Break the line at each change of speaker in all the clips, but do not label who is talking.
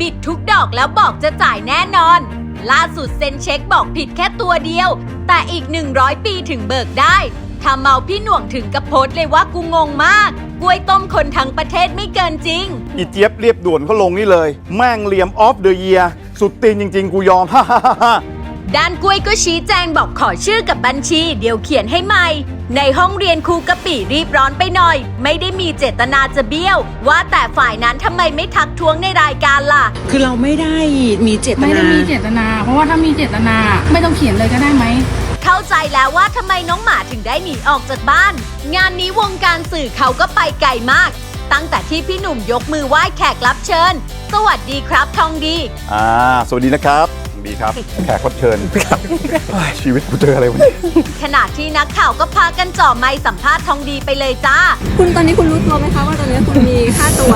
บิดทุกดอกแล้วบอกจะจ่ายแน่นอนล่าสุดเซ็นเช็คบอกผิดแค่ตัวเดียวแต่อีก100 ปีถึงเบิกได้ทำเมาพี่หน่วงถึงกับโพสต์เลยว่ากูงงมากกล้วยต้มคนทั้งประเทศไม่เกินจริง
อีเจี๊ยบเรียบด่วนเขาลงนี่เลยแม่งเหลี่ยมออฟเดอะเยียร์สุดตีนจริงๆกูยอม ฮ่าฮ่าฮ่า
ด้านกล้วยก็ชี้แจงบอกขอชื่อกับบัญชีเดี๋ยวเขียนให้ใหม่ในห้องเรียนครูกะปิรีบร้อนไปหน่อยไม่ได้มีเจตนาจะเบี้ยวว่าแต่ฝ่ายนั้นทำไมไม่ทักท้วงในรายการล่ะ
คือเราไม่ได้มีเจตนา
ไม่ได้มีเจตนาเพราะว่าถ้ามีเจตนาไม่ต้องเขียนเลยก็ได้ไหม
เข้าใจแล้วว่าทำไมน้องหมาถึงได้หนีออกจากบ้านงานนี้วงการสื่อเขาก็ไปไกลมากตั้งแต่ที่พี่หนุ่มยกมือไหว้แขกรับเชิญสวัสดีครับทองดี
สวัสดีนะครับดีครับแขกรับเชิญชีวิตกูเจออะไรวะ
ขณะที่นักข่าวก็พากันจ่อไมค์สัมภาษณ์ทองดีไปเลยจ้า
คุณตอนนี้คุณรู้ตัวไหมคะว่าตอนนี้คุณมีค่าตัว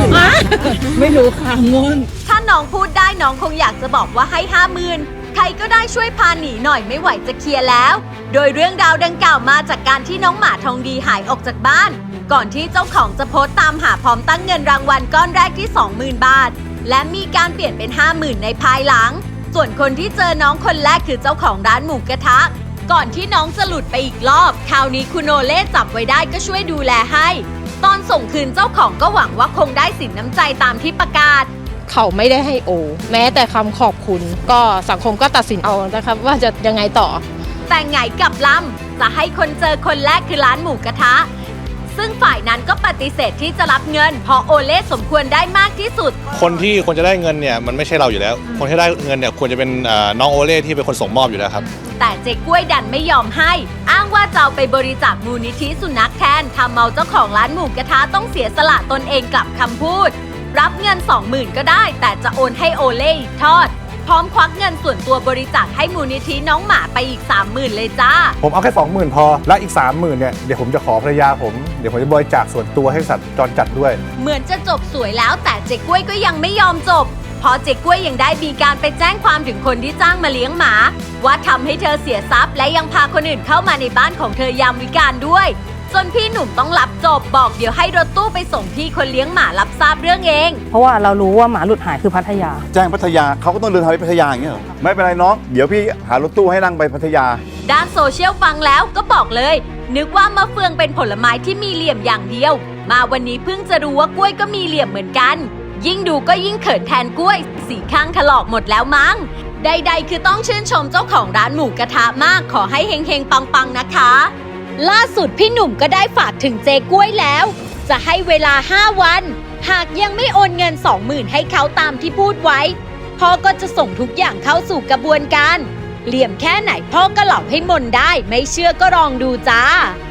50,000
ไม่รู้ค่ะงง
ถ้าน้องพูดได้น้องคงอยากจะบอกว่าให้50,000ใครก็ได้ช่วยพาหนีหน่อยไม่ไหวจะเคลียร์แล้วโดยเรื่องราวดังกล่าวมาจากการที่น้องหมาทองดีหายออกจากบ้านก่อนที่เจ้าของจะโพสต์ตามหาพร้อมตั้งเงินรางวัลก้อนแรกที่ 20,000 บาทและมีการเปลี่ยนเป็น 50,000 ในภายหลังส่วนคนที่เจอน้องคนแรกคือเจ้าของร้านหมูกระทะก่อนที่น้องจะหลุดไปอีกรอบคราวนี้คุณโอเล่จับไว้ได้ก็ช่วยดูแลให้ตอนส่งคืนเจ้าของก็หวังว่าคงได้สินน้ำใจตามที่ประกาศ
เขาไม่ได้ให้โอแม้แต่คำขอบคุณก็สังคมก็ตัดสินเอานะครับว่าจะยังไงต่อ
แต่ไงกับลำจะให้คนเจอคนแรกคือร้านหมูกระทะซึ่งฝ่ายนั้นก็ปฏิเสธที่จะรับเงินเพราะโอเล่สมควรได้มากที่สุด
คนที่ควรจะได้เงินเนี่ยมันไม่ใช่เราอยู่แล้วคนที่ได้เงินเนี่ยควรจะเป็นน้องโอเล่ที่เป็นคนส่งมอบอยู่แล้วครับ
แต่เจ๊กล้วยดันไม่ยอมให้อ้างว่าจะเอาไปบริจาคมูลนิธิสุนัขแทนทำเมาเจ้าของร้านหมูกระทะต้องเสียสละตนเองกลับคำพูดรับเงิน 20,000 ก็ได้แต่จะโอนให้โอเล่อีกทอดพร้อมควักเงินส่วนตัวบริจาคให้มูลนิธิน้องหมาไปอีก 30,000 เลยจ้า
ผมเอาแค่ 20,000 พอและอีก 30,000 เนี่ยเดี๋ยวผมจะขอภรรยาผมเดี๋ยวผมจะบริจาคส่วนตัวให้สัตว์จรจัดด้วย
เหมือนจะจบสวยแล้วแต่เจ๊กล้วยก็ยังไม่ยอมจบเพราะเจ๊กล้วยยังได้มีการไปแจ้งความถึงคนที่จ้างมาเลี้ยงหมาว่าทำให้เธอเสียทรัพย์และยังพาคนอื่นเข้ามาในบ้านของเธอยามวิกาลด้วยจนพี่หนุ่มต้องรับจบบอกเดี๋ยวให้รถตู้ไปส่งพี่คนเลี้ยงหมารับทราบเรื่องเอง
เพราะว่าเรารู้ว่าหมาหลุดหายคือพัทยา
แจ้งพัทยาเขาก็ต้องเดินทางไปพัทยาอย่างเงี้ยเหรอไม่เป็นไรน้องเดี๋ยวพี่หารถตู้ให้นั่งไปพัทยา
ด้านโซเชียลฟังแล้วก็บอกเลยนึกว่ามะเฟืองเป็นผลไม้ที่มีเหลี่ยมอย่างเดียวมาวันนี้เพิ่งจะรู้ว่ากล้วยก็มีเหลี่ยมเหมือนกันยิ่งดูก็ยิ่งเขินแทนกล้วยสีข้างถลอกหมดแล้วมั้งใดๆคือต้องชื่นชมเจ้าของร้านหมูกระทะมากขอให้เฮงๆปังๆนะคะล่าสุดพี่หนุ่มก็ได้ฝากถึงเจ๊กล้วยแล้วจะให้เวลา5 วันหากยังไม่โอนเงิน 20,000 ให้เขาตามที่พูดไว้พ่อก็จะส่งทุกอย่างเข้าสู่กระบวนการเหลี่ยมแค่ไหนพ่อก็หลอกให้มนได้ไม่เชื่อก็ลองดูจ้า